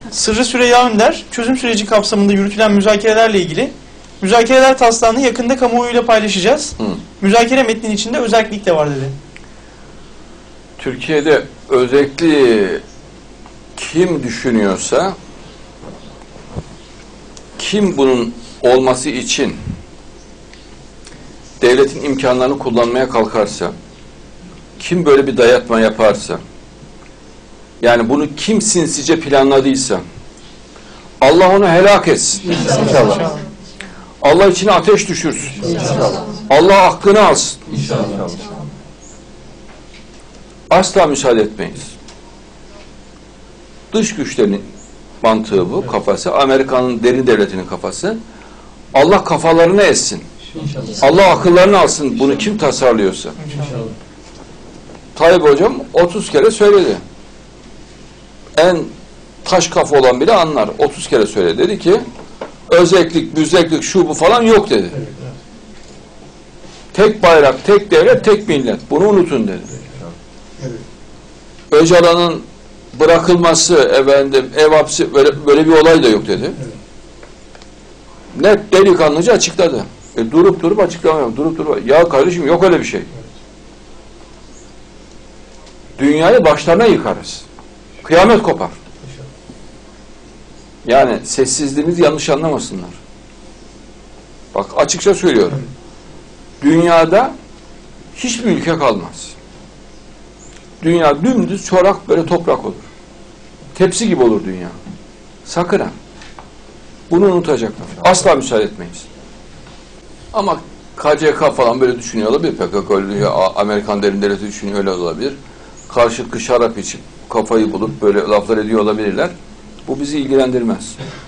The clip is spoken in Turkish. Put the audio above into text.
Sırrı Süreyya Önder, çözüm süreci kapsamında yürütülen müzakerelerle ilgili müzakereler taslağını yakında kamuoyuyla paylaşacağız. Müzakere metninin içinde özellik de var dedi. Türkiye'de özellikle kim düşünüyorsa, kim bunun olması için devletin imkanlarını kullanmaya kalkarsa, kim böyle bir dayatma yaparsa, yani bunu kim sinsice planladıysa, Allah onu helak etsin. İnşallah. Allah içine ateş düşürsün. İnşallah. Allah hakkını alsın. İnşallah. Asla müsaade etmeyiz. Dış güçlerin mantığı bu, kafası. Amerika'nın derin devletinin kafası. Allah kafalarını essin. İnşallah. Allah akıllarını alsın. Bunu kim tasarlıyorsa. İnşallah. Tayyip Hocam 30 kere söyledi. En taş kafa olan bile anlar. 30 kere söyledi. Dedi ki özellik, müzeklik, şu bu falan yok dedi. Tek bayrak, tek devlet, tek millet. Bunu unutun dedi. Öcalan'ın bırakılması, ev hapsi, böyle bir olay da yok dedi. Net delikanlıca açıkladı. Durup açıklamıyorum. Durup. Ya kardeşim yok öyle bir şey. Dünyayı başlarına yıkarız. Kıyamet kopar. Yani sessizliğimizi yanlış anlamasınlar. Bak açıkça söylüyorum. Dünyada hiçbir ülke kalmaz. Dünya dümdüz çorak böyle toprak olur. Tepsi gibi olur dünya. Sakın ha. Bunu unutacaklar. Asla müsaade etmeyiz. Ama KCK falan böyle düşünüyor olabilir. PKK öyle, Amerikan derin devleti düşünüyor öyle olabilir. Karşılıklı şarap içip kafayı bulup böyle laflar ediyor olabilirler. Bu bizi ilgilendirmez.